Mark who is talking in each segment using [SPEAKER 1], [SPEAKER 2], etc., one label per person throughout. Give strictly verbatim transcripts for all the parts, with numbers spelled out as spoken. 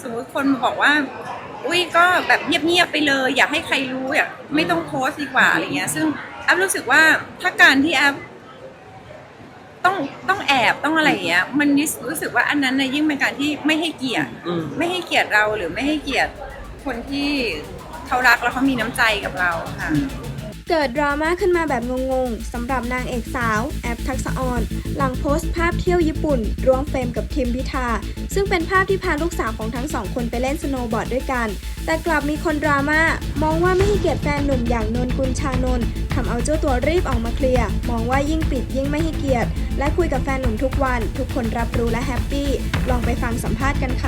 [SPEAKER 1] สมมุติคนบอกว่าอุ้ยก็แบบเงียบๆไปเลยอยากให้ใครรู้อยากไม่ต้องโพสต์ดีกว่าอะไรเงี้ยซึ่งแอฟรู้สึกว่าถ้าการที่แอฟต้องต้องแอบต้องอะไรอย่างเงี้ยมันรู้สึกว่าอันนั้นนะยิ่งเป็นการที่ไม่ให้เกียรติไม่ให้เกียรติเราหรือไม่ให้เกียรติคนที่เขารักแล้วเขามีน้ำใจกับเราค่ะ
[SPEAKER 2] เกิดดราม่าขึ้นมาแบบงงๆสำหรับนางเอกสาวแอปทักษะออนหลังโพสต์ภาพเที่ยวญี่ปุ่นร่วมเฟรมกับทิมพิธาซึ่งเป็นภาพที่พาลูกสาวของทั้งสองคนไปเล่นสโนว์บอร์ดด้วยกันแต่กลับมีคนดราม่ามองว่าไม่ให้เกียรติแฟนหนุ่มอย่างนนกุลชานนท์ทำเอาเจ้าตัวรีบออกมาเคลียร์มองว่ายิ่งปิดยิ่งไม่ให้เกียรติและคุยกับแฟนหนุ่มทุกวันทุกคนรับรู้และแฮปปี้ลองไปฟังสัมภาษณ์กันค่ะ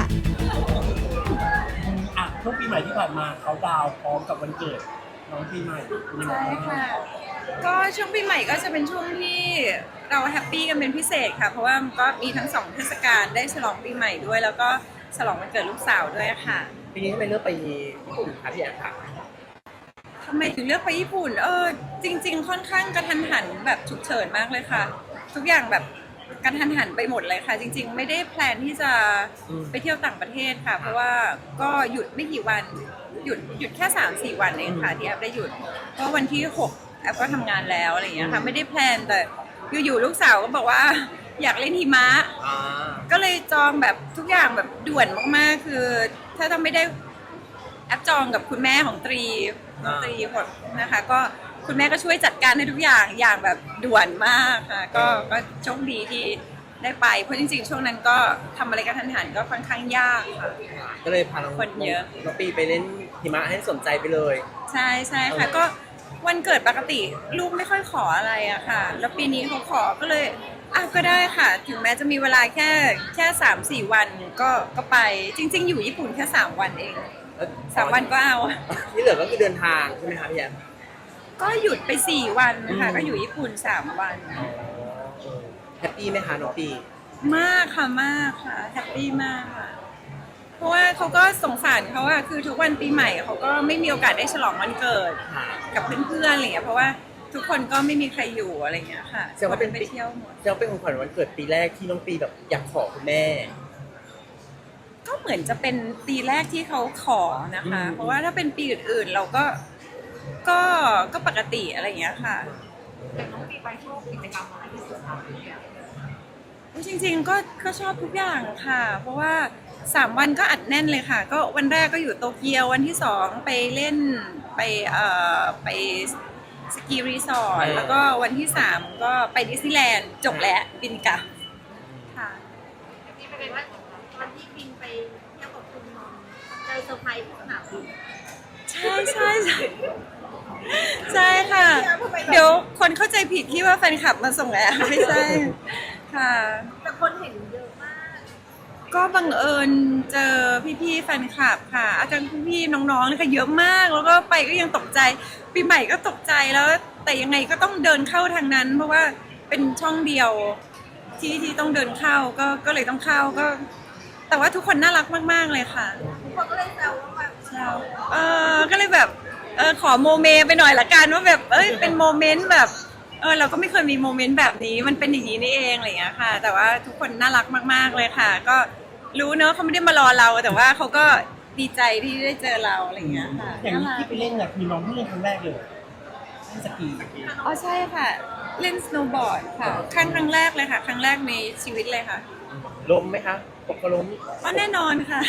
[SPEAKER 3] อ่ะช่วงปีใหม่ที่ผ่านมาเขาดาวน์พร้อมกับวันเกิดน้องปีใหม่
[SPEAKER 1] ใช่ค่ะก็ช่วงปีใหม่ก็จะเป็นช่วงที่เราแฮปปี้กันเป็นพิเศษค่ะเพราะว่าก็มีทั้งสองเทศกาลได้ฉลองปีใหม่ด้วยแล้วก็ฉลองวันเกิดลูกสาวด้วยค่ะ
[SPEAKER 4] ปีนี้ทำไมเลือกไปญี่ปุ่นคะพี่แอฟค่ะ
[SPEAKER 1] ทำไมถึงเลือกไปญี่ปุ่นเออจริงๆค่อนข้างกระทันหันแบบฉุกเฉินมากเลยค่ะทุกอย่างแบบกระทันหันไปหมดเลยค่ะจริงๆไม่ได้แพลนที่จะไปเที่ยวต่างประเทศค่ะเพราะว่าก็หยุดไม่กี่วันหยุดหยุดแค่ สามสี่ วันเองค่ะที่แอฟได้หยุดก็วันที่หกแอฟก็ทำงานแล้วอะไรอย่างเงี้ยค่ะไม่ได้แพลนแต่อยู่ๆลูกสาวก็บอกว่าอยากเล่นหิมะก็เลยจองแบบทุกอย่างแบบด่วนมากๆคือถ้าทำไม่ได้แอปจองกับคุณแม่ของตรีน้องตรีคนนะคะก็คุณแม่ก็ช่วยจัดการให้ทุกอย่างอย่างแบบด่วนมากค่ะก็ก็โชคดีที่ได้ไปเพราะจริงๆช่วงนั้นก็ทำอะไรกันทันหันก็ค่อนข้างยากค่ะ
[SPEAKER 4] ก็เลยพาน้อง
[SPEAKER 1] คนเยอะ
[SPEAKER 4] น้องปีไปเล่นหิมะให้สนใจไปเลย
[SPEAKER 1] ใช่ใช่ค่ะก็วันเกิดปกติลูกไม่ค่อยขออะไรอะค่ะแล้วปีนี้เขาขอก็เลยอ่ะก็ได้ค่ะถึงแม้จะมีเวลาแค่แค่สามสี่วันก็ก็ไปจริงๆอยู่ญี่ปุ่นแค่สามวันเองสามวันก็เอา
[SPEAKER 4] ที่เหลือก็คือเดินทางใช่ไหมคะพี่แอฟ
[SPEAKER 1] ก็หยุดไปสี่วันนะคะก็อยู่ญี่ปุ่นสามวัน
[SPEAKER 4] แฮปปี้ไหมคะน้องปี
[SPEAKER 1] มากค่ะมากค่ะแฮปปี้มากค่ะเพราะว่าเขาก็สงสารเขาอะคือทุกวันปีใหม่เขาก็ไม่มีโอกาสได้ฉลองวันเกิดกับเพื่อนๆอะไรอย่างเงี้ยเพราะว่าทุกคนก็ไม่มีใครอยู่อะไรอย่างเงี้ยค่ะ
[SPEAKER 4] แสดงว่าเป็น
[SPEAKER 1] ไปเที่ยวหมด
[SPEAKER 4] แสดงว่าเป็นของขวัญวันเกิดปีแรกที่น้องปีแบบอยากขอคุณแม่
[SPEAKER 1] ก็เหมือนจะเป็นปีแรกที่เขาขอนะคะเพราะว่าถ้าเป็นปีอื่นๆเราก็ก็ก็ปกติอะไรอย่างเงี้ยค่ะแต่น้องปีไปชอบกิจกรรมอะไรที่สุดคะจริงๆก็ก็ชอบทุกอย่างค่ะเพราะว่าสามวันก็อัดแน่นเลยค่ะก็วันแรกก็อยู่โตเกียววันที่สองไปเล่นไปเอ่อไปสกีรีสอร์ทแล้วก็วันที่สามก็ไปดิสนีย์แลนด์จบแล้วบินกลับค่ะ
[SPEAKER 5] นี่เป็นว่าวันที่บินไปเที่ยวกับคุณนนท์เจอเซอร์ไพรส์ที่สนามบิน
[SPEAKER 1] ใช่ใช่ใช่ใช่ค่ะเดี๋ยวคนเข้าใจผิดที่ว่าแฟนคลับมาส่งแอร์ไม่ใช่ค่ะ
[SPEAKER 5] แต่คนเห็นเยอะมาก
[SPEAKER 1] ก็บังเอิญเจอพี่ๆแฟนคลับค่ะอาจารย์พี่ๆน้องๆเลยค่ะเยอะมากแล้วก็ไปก็ยังตกใจปีใหม่ก็ตกใจแล้วแต่ยังไงก็ต้องเดินเข้าทางนั้นเพราะว่าเป็นช่องเดียวที่ที่ต้องเดินเข้าก็ก็เลยต้องเข้าก็แต่ว่าทุกคนน่ารักมากๆเลยค่ะ
[SPEAKER 5] ทุกคนก็เลยแซวว่าแบบ
[SPEAKER 1] เออก็เลยแบบเออขอโมเมไปหน่อยละกันว่าแบบเอ้ยเป็นโมเมนต์แบบเออเราก็ไม่เคยมีโมเมนต์แบบนี้มันเป็นอย่างนี้นี่เองอะไรอย่างเงี้ยค่ะแต่ว่าทุกคนน่ารักมากๆเลยค่ะก็รู้เนอะเขาไม่ได้มารอเราแต่ว่าเขาก็ดีใจที่ได้เจอเราอะไรอย่างเงี้ยค่ะ
[SPEAKER 3] อย่างที่ไปเล่นเนี่ยคือน้องเพิ่งเล่นครั้งแรกเลยเล่นสกี
[SPEAKER 1] อ๋อใช่ค่ะเล่นสโนว์บอร์ดค่ะครั้งครั้งแรกเลยค่ะครั้งแรกในชีวิตเลยค่ะ
[SPEAKER 4] ล้มไหมคะตกก็ล้ม
[SPEAKER 1] ก็แน่นอนค่ะ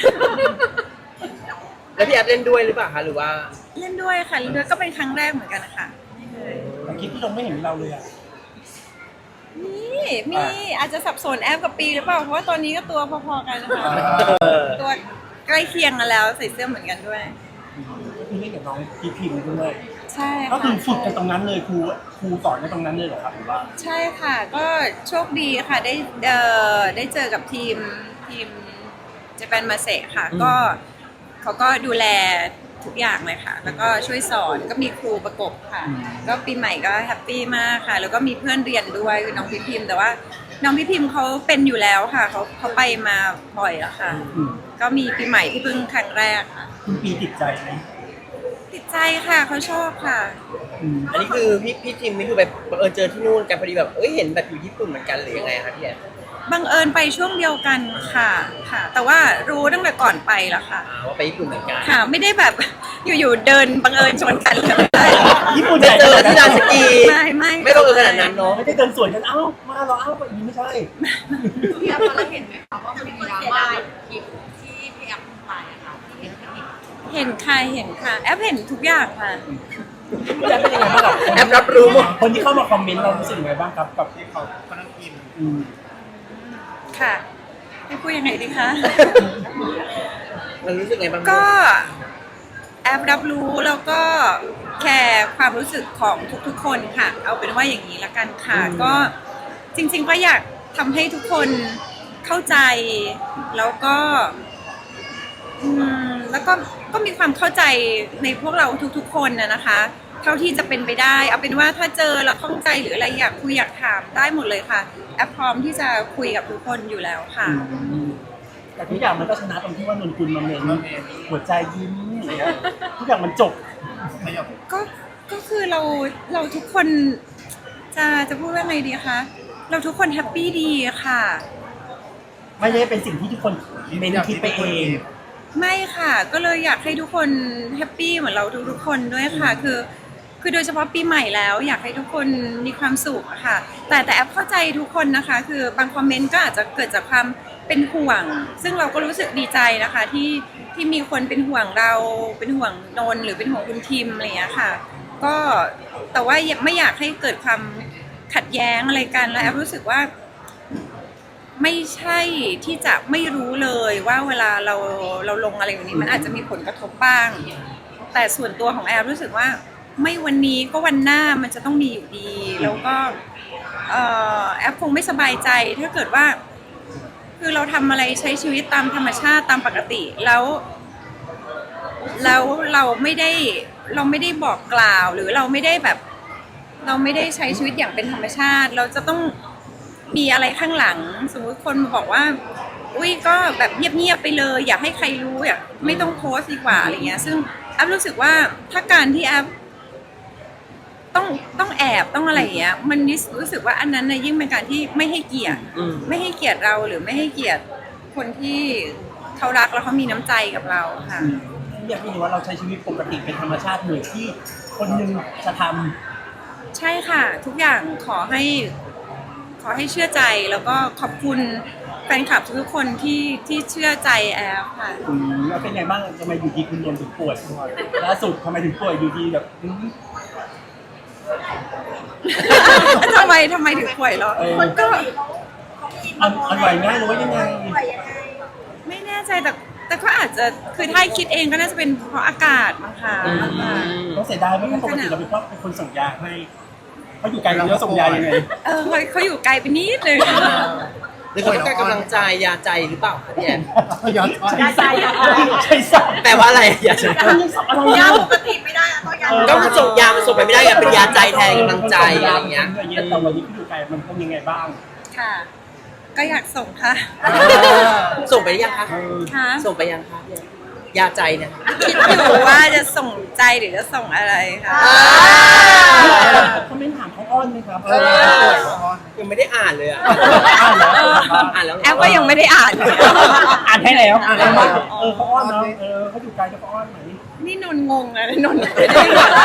[SPEAKER 4] แล้วพี่แอฟเล่นด้วยหรือเปล่าคะหรือว่า
[SPEAKER 1] เล่นด้วยค่ะเล่นด้วยก็เป็นครั้งแรกเหมือนกันค่ะ
[SPEAKER 3] แต่คลิปที่ลงไม่เห็นเราเลยอ่ะ
[SPEAKER 1] นี่มีอาจจะสับสนแอปกับปีหรือเปล่าเพราะว่าตอนนี้ก็ตัวพอๆกันนะคะตัวใกล้เคียงกันแล้วใส่เสื้อเหมือนกันด้วย
[SPEAKER 3] ก็คือเล่นกับน้องพีพิมด้วย
[SPEAKER 1] ใช่
[SPEAKER 3] ก็คือฝึกกันตรงนั้นเลยครูครูสอนกันตรงนั้นเลยเหรอครับหรือว่า
[SPEAKER 1] ใช่ค่ะก็โชคดีค่ะได้เอ่อได้เจอกับทีมทีมเจแปนมาเซค่ะก็เขาก็ดูแลทุกอย่างเลยค่ะแล้วก็ช่วยสอนก็มีครูประกบค่ะก็ปีใหม่ก็แฮปปี้มากค่ะแล้วก็มีเพื่อนเรียนด้วยคือน้องพี่พิมพ์แต่ว่าน้องพี่พิมพ์เขาเป็นอยู่แล้วค่ะเขาเขาไปมาบ่อยแล้วค่ะก็มีปีใหม่ที่เพิ่งครั้งแรกค่ะ
[SPEAKER 3] คุณปีติดใจไหม
[SPEAKER 1] ติดใจค่ะเขาชอบค่ะ
[SPEAKER 4] อันนี้คือพี่พี่ทีมนี่คือแบบเออเจอที่นู่นกันพอดีแบบเอ้ยเห็นแบบอยู่ญี่ปุ่นเหมือนกันหรือยังไงคะพี่แอน
[SPEAKER 1] บังเอิญไปช่วงเดียวกันค่ะค่ะ แต่ว่ารู้ตั้งแต่ก่อนไปแล้วค่ะ
[SPEAKER 4] อ่าว่าไปญี่ปุ่นเหมือนกัน
[SPEAKER 1] ค่ะไม่ได้แบบอยู่ๆเดินบังเอิญชนกันเลย
[SPEAKER 3] ญี่ปุ่น
[SPEAKER 4] ไป
[SPEAKER 3] ใหญ่
[SPEAKER 4] เจอที่ลานสกี
[SPEAKER 1] ไม่ไม่
[SPEAKER 4] ไม่ต้องเออขนาดนั้นเนาะ
[SPEAKER 3] ไม่ได้เดินสวนกันเอ้ามาเราเอ้าไปอีกไม่ใช่
[SPEAKER 5] พี่แอฟตอนแรกเห็นไหมคะว่ามันมีดราม่าคลิปที่พี่แอฟไปอะค่ะที่เห็นที่
[SPEAKER 1] เห็นค่ะเห็นค่ะแอปเห็นทุกอย่างค่ะ
[SPEAKER 3] พี่แอฟเป็นยังไงบ้างกับ
[SPEAKER 4] แอปรับรู้หมด
[SPEAKER 3] คนที่เข้ามาคอมเมนต์เรารู้สึกยังไงบ้างครับกับที่เขากำลังกินอืม
[SPEAKER 1] ค่ะให้พูดยังไงดีคะ
[SPEAKER 4] มันรู้สึกไงบ้าง
[SPEAKER 1] ก็แอปรับรู้แล้วก็แคร์ความรู้สึกของทุกๆคนค่ะ เอาเป็นว่าอย่างนี้ละกันค่ะ ก็จริงๆก็อยากทำให้ทุกคนเข้าใจแล้วก็อืมแล้วก็ก็มีความเข้าใจในพวกเราทุกๆคนนะนะคะ เท่าที่จะเป็นไปได้ เอาเป็นว่าถ้าเจอแล้วข้องใจหรืออะไรอยากคุยอยากถามได้หมดเลยค่ะ แอปพร้อมที่จะคุยกับทุกคนอยู่แล้วค่ะ
[SPEAKER 3] แต่ทุกอย่างมันก็ชนะตรงที่ว่านนกุลมาเมนหัวใจยิ้มอะไรเงี้ยทุกอย่างมันจบ
[SPEAKER 1] ก็ก็คือเราเราทุกคนจะจะพูดว่าไงดีคะเราทุกคนแฮปปี้ดีค่ะ
[SPEAKER 3] ไม่ได้เป็นสิ่งที่ทุกคนเมนคิดไปเอง
[SPEAKER 1] ไม่ค่ะ ก็เลยอยากให้ทุกคนแฮปปี้เหมือนเราทุกๆคนด้วยค่ะ คือคือโดยเฉพาะปีใหม่แล้ว อยากให้ทุกคนมีความสุขอะค่ะ แต่แต่แอปเข้าใจทุกคนนะคะ คือบางคอมเมนต์ก็อาจจะเกิดจากความเป็นห่วง ซึ่งเราก็รู้สึกดีใจนะคะที่ที่มีคนเป็นห่วงเราเป็นห่วงนนท์หรือเป็นห่วงคุณทิมอะไรอย่างเงี้ยค่ะ ก็แต่ว่าไม่อยากให้เกิดความขัดแย้งอะไรกันแล้วแอปรู้สึกว่า ไม่ใช่ที่จะไม่รู้เลยว่าเวลาเราเราลงอะไรอย่างนี้มันอาจจะมีผลกระทบบ้าง แต่ส่วนตัวของแอปรู้สึกว่าไม่วันนี้ก็วันหน้ามันจะต้องมีอยู่ดี แล้วก็เอ่อแอปคงไม่สบายใจถ้าเกิดว่า คือเราทำอะไรใช้ชีวิตตามธรรมชาติตามปกติแล้ว แล้วเราไม่ได้เราไม่ได้บอกกล่าวหรือเราไม่ได้แบบ เราไม่ได้ใช้ชีวิตอย่างเป็นธรรมชาติ เราจะต้องมีอะไรข้างหลัง สมมุติคนมาบอกว่า อุ้ยก็แบบเงียบๆไปเลย อยากให้ใครรู้อยากไม่ต้องโพสต์ดีกว่าอะไรเงี้ยซึ่งแอปรู้สึกว่าถ้าการที่แอปต้องต้องแอบต้องอะไรอย่างเงี้ยมันรู้สึกว่าอันนั้นนะยิ่งเป็นการที่ไม่ให้เกียรติ
[SPEAKER 4] อืม
[SPEAKER 1] ไม่ให้เกียรติเราหรือไม่ให้เกียรติคนที่เขารักแล้วเขามีน้ำใจกับเราค่ะ
[SPEAKER 3] อยากให้เห็นว่าเราใช้ชีวิตปกติเป็นธรรมชาติเหมือนที่คนหนึ่งจะทำ
[SPEAKER 1] ใช่ค่ะ ทุกอย่างขอให้ขอให้เชื่อใจแล้วก็ขอบคุณแฟนคลับทุกคนที่ที่เชื่อใจแอฟค่ะ
[SPEAKER 3] อืมแล้วเป็นไงบ้างทำไมอยู่ดีคุณโดนถึงป่วยล่าสุดทำไมถึงป่วยอยู่ดีแบบอืม
[SPEAKER 1] ทำไมทำไมถึงป่วยเหรอ
[SPEAKER 3] เออ
[SPEAKER 1] มันก็
[SPEAKER 3] อันอันไหวง่ายหรือว่ายังไง
[SPEAKER 1] ไม่แน่ใจแต่แต่ก็อาจจะคือถ้าคิดเองก็น่าจะเป็นเพราะอากาศมั้งคะ
[SPEAKER 4] อืม
[SPEAKER 3] ต้องเสียดายไหมเพราะปกติเราเป็นเป็นคนส่งยาให้เขาอยู่ไกลเราแล้วส่งยายังไง
[SPEAKER 1] เออเขาเขาอยู่ไกลไปนิดเลย
[SPEAKER 4] หรือเขาต้องการกำลังใจยาใจหรือเปล่าคะพี่แอน
[SPEAKER 3] ใช่ใช่ใช่ใช่
[SPEAKER 4] แปลว่าอะไรยาใจ
[SPEAKER 3] อะไร
[SPEAKER 5] ยา
[SPEAKER 3] นะ
[SPEAKER 5] ปกติไม่ได้อะต้องยา
[SPEAKER 4] ก็มันส่งยามันส่งไปไม่ได้ไงเป็นยาใจแทนกำลังใจอะไรอย่างเงี้ย
[SPEAKER 3] แต่วันนี้เขาอยู่ไกลมันเป็นยังไงบ้าง
[SPEAKER 1] ค่ะ ก็อยากส่งค่ะ
[SPEAKER 4] ส่งไปหรือยังคะ
[SPEAKER 3] เออ
[SPEAKER 1] ค่ะ
[SPEAKER 4] ส่งไปยังคะพี่แอนยาใจเนี่ย
[SPEAKER 1] คิดอยู่ว่าจะส่งใจหรือจะส่งอะไรค่ะ
[SPEAKER 3] เขาไม่ถามเขาอ้อนไหมครับ
[SPEAKER 4] ยังไม่ได้อ่านเลยอ่ะ
[SPEAKER 3] อ่านแล้ว
[SPEAKER 4] อ่านแล้วเหร
[SPEAKER 1] แอปก็ยังไม่ได้อ่าน
[SPEAKER 3] อ่านให้แล้วอ่านแล้วว่าเออเขาอ้อนเนาะเออเขาอยู่ไกลจะเขาอ้อนไหม
[SPEAKER 1] นี่นนงงอะนนไม่ได้
[SPEAKER 5] เป็นนะคะ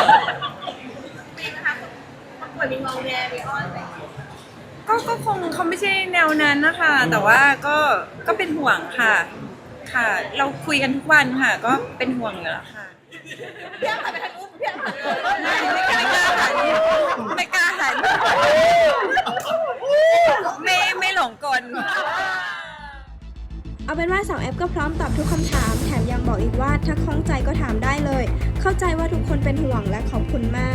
[SPEAKER 5] มันป่วยมีงองแงมีอ้อนอะไรอย่างเงี้ย
[SPEAKER 1] ก็ก็คงเขาไม่ใช่แนวนั้นนะคะ แต่ว่าก็ก็เป็นห่วงค่ะ ค่ะ เราคุยกันทุกวันค่ะ ก็เป็นห่วงอยู่แล้วค่ะ
[SPEAKER 5] พี่แอฟหันไปทางนู้นพี่แอฟหันเลย
[SPEAKER 1] ไม่ไม่กล้าหันไม่กล้าหันไม่ไม่หลงกล
[SPEAKER 2] เอาเป็นว่าสาวแอปก็พร้อมตอบทุกคำถาม แถมยังบอกอีกว่าถ้าข้องใจก็ถามได้เลย เข้าใจว่าทุกคนเป็นห่วงและขอบคุณมาก